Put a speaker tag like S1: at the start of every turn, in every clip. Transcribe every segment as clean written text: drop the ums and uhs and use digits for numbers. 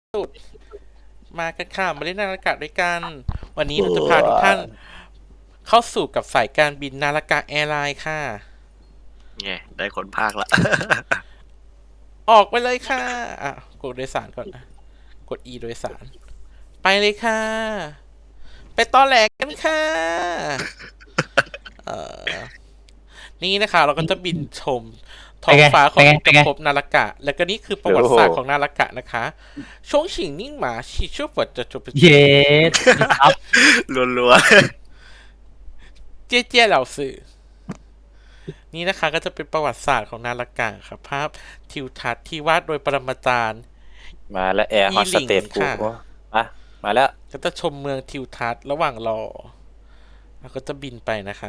S1: สุดมากันค่ะมาเล่นนาฬิกาด้วยกัน วันนี้เราจะพาทุกท่านเข้าสู่กับสายการบินนาฬิกาแอร์ไลน์ค่ะ
S2: ไงได้คนภาคละ
S1: ออกไปเลยค่ะกดโดยสารก่อนนะกด E โดยสาร ไปเลยค่ะ ไปตอแหลกกันค่ะเอ่อนี่นะคะเราก็จะบินชมท้องฟ้าของอุตภพนาฬิกาแล้วก็นี่คือประวัติศาสตร์ของนาฬิกานะคะช่วงฉิงนิ่งหมาชีชั่วฝดจะจบ
S3: เย็ดครับ
S2: รัว
S1: เจ๊เจ๊เหล่าสื่อนี่นะคะก็จะเป็นประวัติศาสตร์ของนาฬิกาครับภาพทิวทัศน์ที่วาดโดยปรมาจารย์
S4: มาแล้วแอร์ฮอสเตสกู
S1: ค่ะ
S4: อ่ะมาแล้ว
S1: ก็จะชมเมืองทิวทัศน์ระหว่างรอแล้วก็จะบินไปนะคะ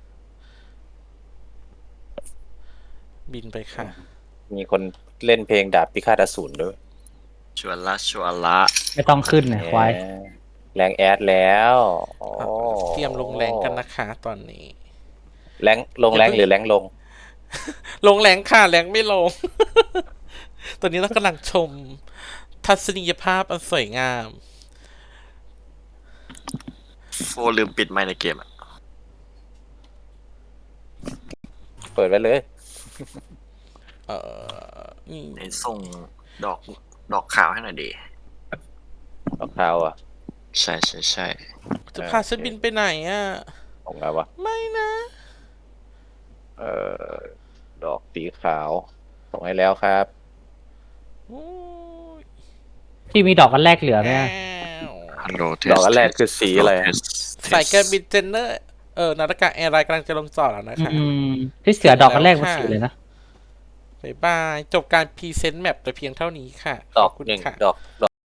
S1: บินไปค่ะ
S4: มีคนเล่นเพลงดาบพิฆาตอสูรด้วย
S2: ๆชวนละ
S3: ไม่ต้องขึ้นเนี่ยควาย
S4: แรงแอดแล้วโอ้
S1: เตรียมลงแรงกันนะคะตอนนี้
S4: แรงลงแรงหรือแรงลง
S1: ลงแรงค่ะแรงไม่ลง ตอนนี้เรากำลังชม ทัศนียภาพอันสวยงาม
S2: โฟลืมปิดไมค์ในเกมอ่ะ
S4: เปิดไว้เลย
S1: นี่
S2: ในส่งดอกขาวให้หน่อยดี
S4: รองเท้าอ่ะ
S2: ใช่
S1: จะพาฉันบินไปไหนอ่ะ
S4: ของไงวะ
S1: ไม่นะ
S4: เอ่อดอกสีขาวส่งให้แล้วครับ
S1: โอ้ย
S3: ที่มีดอกกันแรกเหลือไหม
S1: แอ
S3: อะ
S1: ว
S2: ฮัลโหลเท
S4: ดอกอันแรกคือสีอะไร
S1: สายการบินเจนเนอร์นาฬิกาแอร์ไลน์กำลังจะลงจอดแล้วนะคะ
S3: ที่เสือดอกกันแรกมันสีเลยนะ
S1: บ๊ายบาย จบการพรีเซนต์แมปแต่เพียงเท่านี้ค่ะ
S4: ด
S1: ข
S4: อ
S1: อก บคุณ
S4: หนึ่ง
S1: ค่ะ
S4: ดอก